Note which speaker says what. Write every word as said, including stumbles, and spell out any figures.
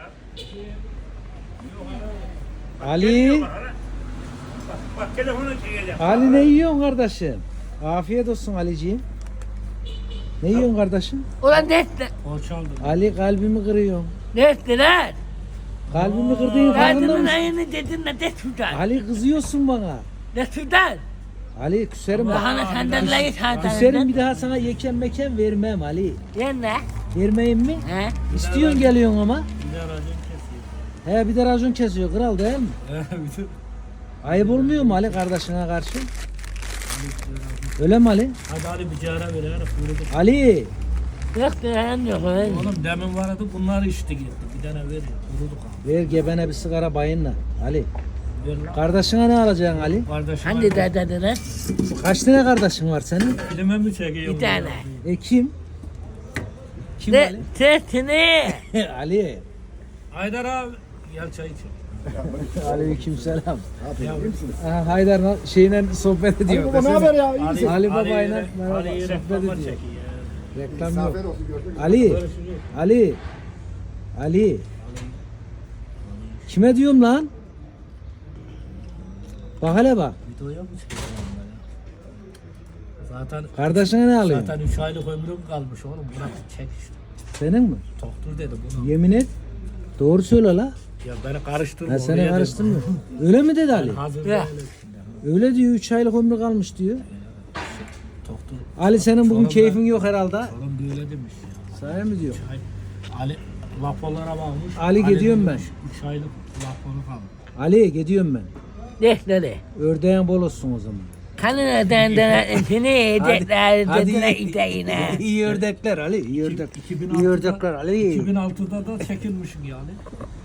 Speaker 1: Ali,
Speaker 2: Bak, bak telefonu çekeceğim.
Speaker 1: Ali ne yiyorsun kardeşim? Afiyet olsun Aliciğim. Ne yiyorsun kardeşim?
Speaker 3: Ulan ne etti?
Speaker 2: O çaldı.
Speaker 1: Ali kalbimi kırıyorsun.
Speaker 3: Ne etti lan?
Speaker 1: Kalbimi kırdığın farkında
Speaker 3: Kadının
Speaker 1: mısın?
Speaker 3: ayını dedin de de tutar.
Speaker 1: Ali kızıyorsun bana.
Speaker 3: Ne tutar?
Speaker 1: Ali küserim bak.
Speaker 3: Bahane senden de git
Speaker 1: Küserim bir daha sana yeken meken vermem Ali.
Speaker 3: Yen ne?
Speaker 1: Vermeyeyim mi?
Speaker 3: He?
Speaker 1: İstiyorsun geliyorsun ama.
Speaker 2: Bir de racon kesiyor.
Speaker 1: He bir de racon kesiyor kral değil mi?
Speaker 2: Bir de-
Speaker 1: Ayıp olmuyor mu Ali kardeşine karşı? Öyle mi Ali?
Speaker 2: Hadi hadi bir cara ver herif vurdu.
Speaker 1: Ali!
Speaker 3: Yok diyen yok öyle.
Speaker 2: Oğlum demin vardı bunlar içti gitti. Bir tane ver ya. Vurduk abi.
Speaker 1: Ver gebene bir sigara bayınla. Ali.
Speaker 2: Ver lan.
Speaker 1: Kardeşine ne alacaksın Ali?
Speaker 2: Kardeşim
Speaker 3: Hangi de dediler?
Speaker 1: Kaç tane kardeşin var senin?
Speaker 2: Filme mi çekiyor?
Speaker 3: Bir tane.
Speaker 1: E kim? Kim
Speaker 3: Ne?
Speaker 1: Ali?
Speaker 3: Sesini.
Speaker 1: Ali.
Speaker 2: Haydar abi. Gel çay iç.
Speaker 1: Aleykümselam.
Speaker 2: Ya,
Speaker 1: Aha, Haydar'la şeyle sohbet ediyor.
Speaker 4: Baba ne haber ya? İyi misin?
Speaker 1: Ali
Speaker 2: Ali
Speaker 1: babayla
Speaker 2: ile-
Speaker 1: merhaba,
Speaker 2: Ali ile
Speaker 1: sohbet
Speaker 2: reklama
Speaker 1: ediyor.
Speaker 2: çekiyor.
Speaker 1: Reklam
Speaker 4: Misafir
Speaker 1: yok.
Speaker 4: olsun gördük.
Speaker 1: Ali.
Speaker 2: Görüşürüz.
Speaker 1: Ali. Ali. Kime diyorum lan? Bak hele bak.
Speaker 2: Videoya mı çekiyor onlar ya? Zaten
Speaker 1: Kardeşine ne alıyorsun?
Speaker 2: zaten üç aylık ömrüm kalmış oğlum. Bırak çek işte.
Speaker 1: Senin mi?
Speaker 2: Doktor dedi bunu.
Speaker 1: Yemin et. Doğru söyle la.
Speaker 2: Ya beni karıştırma.
Speaker 1: Ha, seni
Speaker 2: oraya
Speaker 1: karıştırmıyor.
Speaker 2: dedim.
Speaker 1: Öyle mi dedi Ali?
Speaker 2: Ben hazır
Speaker 3: Ya.
Speaker 2: değilim şimdi.
Speaker 1: Öyle diyor. üç aylık ömrü kalmış diyor.
Speaker 2: Doktor.
Speaker 1: Ali senin bugün
Speaker 2: Sorun
Speaker 1: keyfin
Speaker 2: ben-
Speaker 1: yok herhalde.
Speaker 2: Oğlum böyle demiş ya.
Speaker 1: Sahi mi diyor?
Speaker 2: Ay, Ali raporlara bakmış.
Speaker 1: Ali gidiyorum
Speaker 2: demiş, üç aylık raporu kalmış.
Speaker 1: Ali gidiyorum ben.
Speaker 3: Ne dedi?
Speaker 1: Ördeğin bol olsun o zaman.
Speaker 3: Kanına dendene seni edekler
Speaker 1: hadi.
Speaker 3: dedine iteğine.
Speaker 1: İyi ördekler Ali. İyi ördek.
Speaker 2: iki bin
Speaker 1: İyi
Speaker 2: altıda
Speaker 1: ördekler Ali.
Speaker 2: iki bin altıda da çekilmişim yani.